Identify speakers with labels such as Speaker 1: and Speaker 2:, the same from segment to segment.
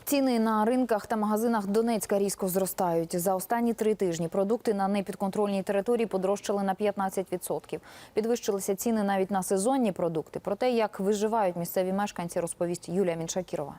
Speaker 1: Ціни на ринках та магазинах Донецька різко зростають. За останні 3 тижні продукти на непідконтрольній території подорожчали на 15%. Підвищилися ціни навіть на сезонні продукти. Про те, як виживають місцеві мешканці, розповість Юлія Міншакірова.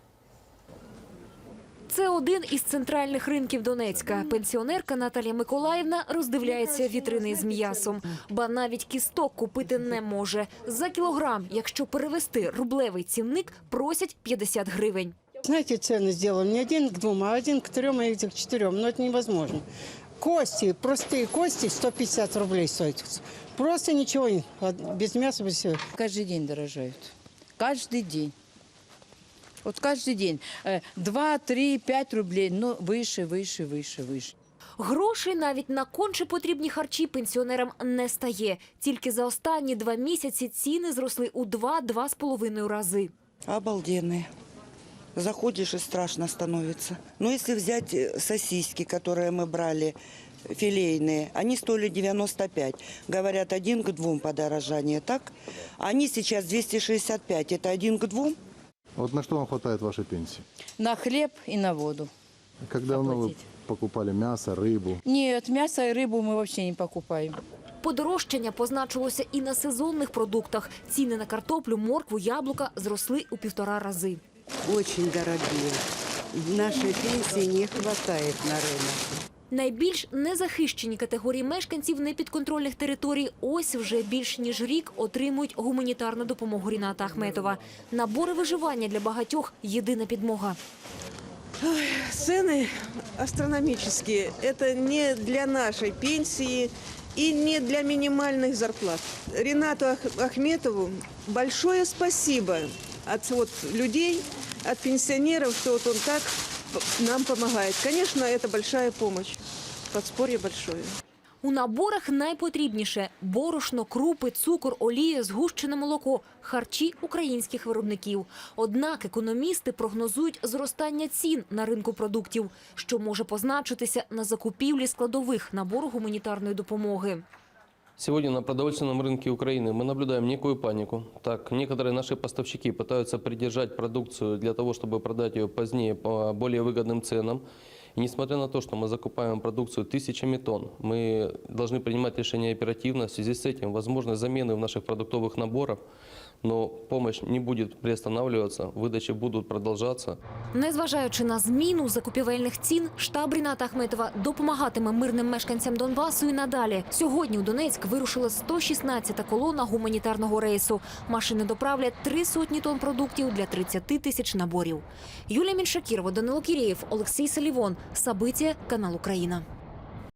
Speaker 2: Це один із центральних ринків Донецька. Пенсіонерка Наталія Миколаївна роздивляється вітрини з м'ясом. Ба навіть кісток купити не може. За кілограм, якщо перевести рублевий цінник, просять 50 гривень.
Speaker 3: Знаете, цены сделаны не 1 к 2, а 1 к 3, а 1 к 4. Но это невозможно. Кости, простые кости, 150 рублей стоят. Просто ничего, без мяса, без всего.
Speaker 4: Каждый день дорожают. Каждый день. Вот каждый день. 2, 3, 5 рублей, но выше, выше, выше, выше.
Speaker 2: Грошей навіть на конче потрібні харчі пенсіонерам не стає. Тільки за останні 2 місяці ціни зросли у 2–2,5 рази.
Speaker 5: Обалденные. Заходишь и страшно становится. Но если взять сосиски, которые мы брали, филейные, они стоили 95. Говорят, 1 к 2 подорожание, так? Они сейчас 265. Это 1 к 2?
Speaker 6: Вот на что вам хватает вашей пенсии?
Speaker 4: На хлеб и на воду.
Speaker 6: Как давно вы покупали мясо, рыбу?
Speaker 4: Нет, мясо и рыбу мы вообще не покупаем.
Speaker 2: Подорожчання позначилося і на сезонних продуктах. Ціни на картоплю, моркву, яблука зросли у 1,5 рази.
Speaker 7: Очень дорогие. Нашей пенсии не хватает на рынок.
Speaker 2: Найбільш незахищені категорії мешканців непідконтрольних територій ось вже більш ніж рік отримують гуманітарну допомогу Ріната Ахметова. Набори виживання для багатьох – єдина підмога.
Speaker 8: Цены астрономические. Это не для нашей пенсии и не для минимальных зарплат. Ринату Ахметову большое спасибо от людей, от пенсионеров, что вот он так нам помогает. Конечно, это большая помощь. Подспорье большое.
Speaker 2: У наборах найпотрібніше – борошно, крупи, цукор, олія, згущене молоко – харчі українських виробників. Однак економісти прогнозують зростання цін на ринку продуктів, що може позначитися на закупівлі складових набору гуманітарної допомоги.
Speaker 9: Сегодня на продовольственном рынке Украины мы наблюдаем некую панику. Так, некоторые наши поставщики пытаются придержать продукцию для того, чтобы продать ее позднее по более выгодным ценам. И несмотря на то, что мы закупаем продукцию тысячами тонн, мы должны принимать решения оперативно. В связи с этим возможны замены в наших продуктовых наборах, но помощь не будет приостанавливаться, выдачи будут продолжаться.
Speaker 2: Незважаючи на зміну закупівельних цін, штаб Ріната Ахметова допомагатиме мирним мешканцям Донбасу і надалі. Сьогодні у Донецьк вирушила 116-та колона гуманітарного рейсу. Машини доправлять 300 тонн продуктів для 30 тисяч наборів. Юлія Міншакірова, Данило Кірєєв, Олексій Салівон. Сабиття, канал Україна.